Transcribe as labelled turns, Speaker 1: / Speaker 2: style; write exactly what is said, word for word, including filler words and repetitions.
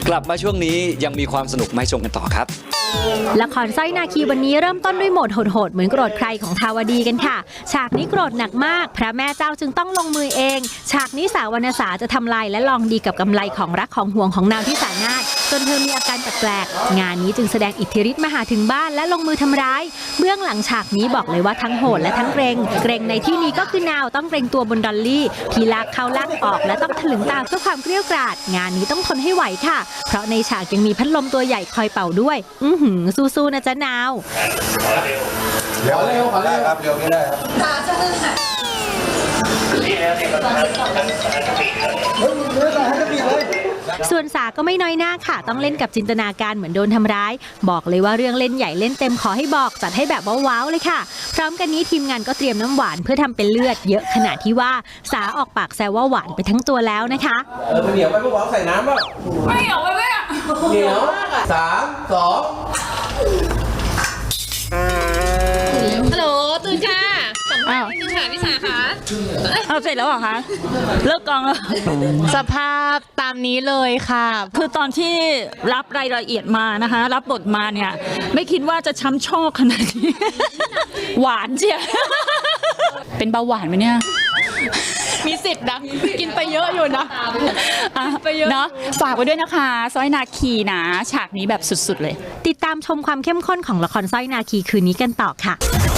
Speaker 1: กลับมาช่วงนี้ยังมีความสนุกมาให้ชมกันต่อครับ
Speaker 2: ละครสร้อยนาคีวันนี้เริ่มต้นด้วยโหมดโหดๆเหมือนโกรธใครของทาวดีกันค่ะฉากนี้โกรธหนักมากพระแม่เจ้าจึงต้องลงมือเองฉากนี้สาววรรณสาจะทำลายและลองดีกับกำไรของรักของห่วงของนางที่สานาถจนเธอมีอาการแปลกๆงานนี้จึงแสดงอิทธิฤทธิ์มาหาถึงบ้านและลงมือทำร้ายเบื้องหลังฉากนี้บอกเลยว่าทั้งโหดและทั้งเกรงเกรงในที่นี้ก็คือนาวต้องเกรงตัวบนดอลลี่ที่ลากเข้าลากออกและต้องถลึงตาเพื่อความเกลี้ยกล่อมงานนี้ต้องทนให้ไหวค่ะเพราะในฉากยังมีพัดลมตัวใหญ่คอยเป่าด้วยอื้อหือสู้ๆนะจ๊ะนาว
Speaker 3: เร็วเร็วขอเร็วครับเร็วไม่ได้ครับตาจะเลื่อน
Speaker 2: ส่วนสาก็ไม่น้อยหน้าค่ะต้องเล่นกับจินตนาการเหมือนโดนทำร้ายบอกเลยว่าเรื่องเล่นใหญ่เล่นเต็มขอให้บอกจัดให้แบบว้าวๆเลยค่ะพร้อมกันนี้ทีมงานก็เตรียมน้ำหวานเพื่อทำเป็นเลือดเยอะขนาดที่ว่าสาออกปากแซวว่าหวานไปทั้งตัวแล้วนะคะ
Speaker 3: เออเหนียวไปพวกเราใส่น้ำป่ะไม่เหนียวไปไม่เหนียวสามสอง
Speaker 4: ฮัลโหลตื่นค่ะสัมภาษณ์นิดนึงค่ะพี่สาคะเอาเสร็จแล้วเหรอคะเลิกกองแล้วสภาพตามนี้เลยค่ะคือตอนที่รับรายละเอียดมานะคะรับบทมาเนี่ยไม่คิดว่าจะช้ำชอกขนาดนี้ หวานเชียว เป็นเบาหวานไหมเนี่ยมีสิทธิ์นะกินไปเยอะอยู่นะไปเยอะเนาะฝากไว้ด้วยนะคะสร้อยนาคีนะฉากนี้แบบสุดๆเลย
Speaker 2: ติดตามชมความเข้มข้นของละครสร้อยนาคีคืนนี้กันต่อค่ะ